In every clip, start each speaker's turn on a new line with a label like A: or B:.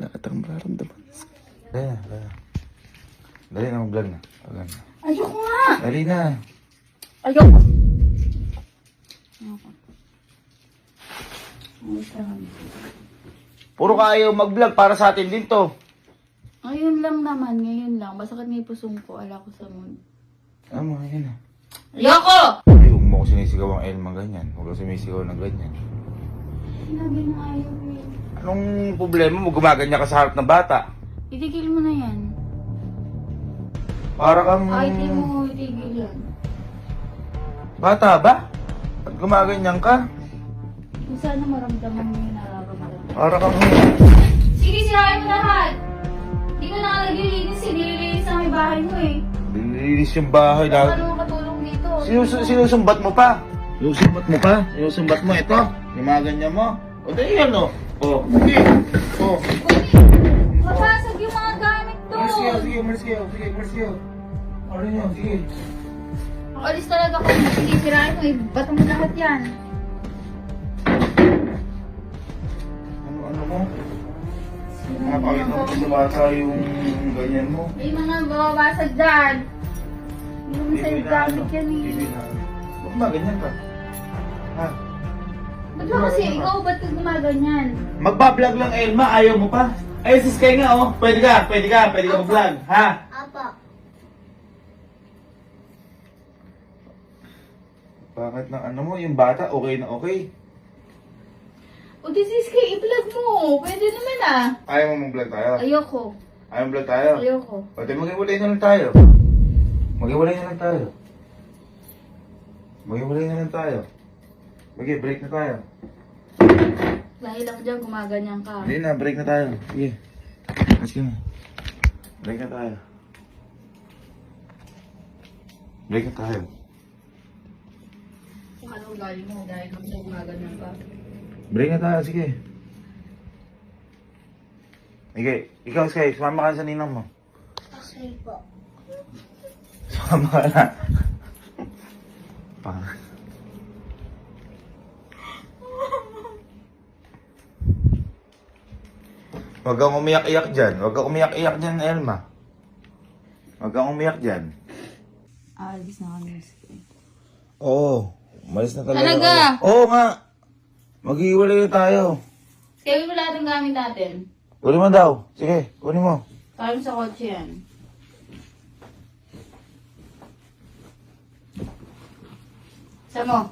A: wala ka tayong mararamdaman. Dali na, dali na. Dali na, mag-vlog na. Vlog na.
B: Ayoko nga!
A: Dali na.
B: Ayoko!
A: Puro ka ayaw mag-vlog para sa atin din to.
B: Ngayon lang naman, ngayon lang. Masakit nga yung pusong ko, ala ko sa mood.
A: Ano, yun na.
B: Ayoko!
A: Ay, huwag mo ko sinisigaw ang Elma ganyan. Huwag ko sinisigaw ng ganyan.
B: Sinabi na ayaw eh.
A: Anong problema mo? Gumaganya ka sa harap ng bata.
B: Itigil mo na yan.
A: Para kang...
B: Ay, di mo itigil yan.
A: Bata ba? At gumaganyan ka?
B: Kung sana maramdaman mo yung nararamdaman.
A: Para kang...
B: Sige, sirahin mo lahat! Hindi ko na naglilinis eh. Nililinis na may bahay mo eh.
A: Nililis yung bahay lahat.
B: Ano makatulong dito?
A: Sinusumbat mo pa? Sinusumbat mo pa? Sinusumbat mo ito? Gumaganyan mo? O di yan o. O, sige. O.
B: Mabasag yung mga gamit to!
A: Umalis kayo, sige, umalis kayo. Sige, umalis kayo. Ano nyo, sige.
B: Makalis talaga ko. Sige, sirahin mo eh. Bato mo lahat yan.
A: Ano mo? Napakita mo sa bata yung ganyan mo.
B: May mga babasag dyan. Hindi naman sa'yo gamit yan eh.
A: Ba't ba ganyan ka? Ha?
B: Ba't ba kasi ikaw ba't ka gumaganyan?
A: Magbablog lang Elma, ayaw mo pa? Ay, sis kayo nga oh. Pwede ka mag-vlog. Ha?
B: Apa.
A: Bakit na ano mo, yung bata okay na okay?
B: O this is kay i-vlog mo. Pwede naman ah.
A: Ayaw mo mag-vlog tayo?
B: Ayoko.
A: Ayaw mo vlog tayo?
B: Ayoko.
A: Pwede mag-iwalay na lang tayo. Mag-iwalay na lang tayo. Mag-iwalay na lang tayo. Sige, break na tayo.
B: Dahil ako dyan gumaganyan ka.
A: Hindi na, break na tayo. Sige. Sige na. Break na tayo. Break na tayo.
B: Kung ano ugali mo dahil ako dyan gumaganyan ka.
A: Break na tayo, sige. Sige, ikaw Sky, sumama ka sa ninang mo.
B: Okay po.
A: Sumama ka na. Pang. Huwag kang umiyak-iyak dyan. Huwag kang umiyak-iyak dyan, Elma. Huwag kang umiyak dyan.
B: Alis na kami.
A: Oo. Umalis na talaga.
B: Talaga?
A: Oo nga. Mag-iwalay na tayo.
B: Kaya mo lahat ng gamit natin.
A: Kunin mo daw. Sige, kunin mo.
B: Kaya mo sa kotse yan. Sa mo.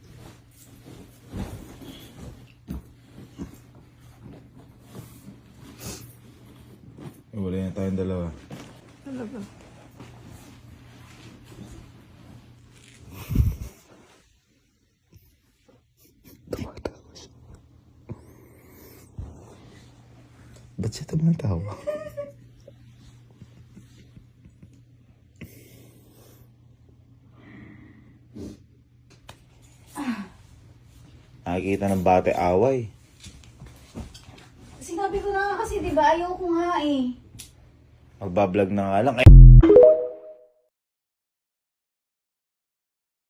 A: Iwalay na tayong dalawa.
B: Talaga.
A: Ba't siya tumatawa? Nakikita ng bate away.
B: Sinabi ko na nga kasi, di ba? Ayaw ko nga eh.
A: Magbablog na nga lang. Ay,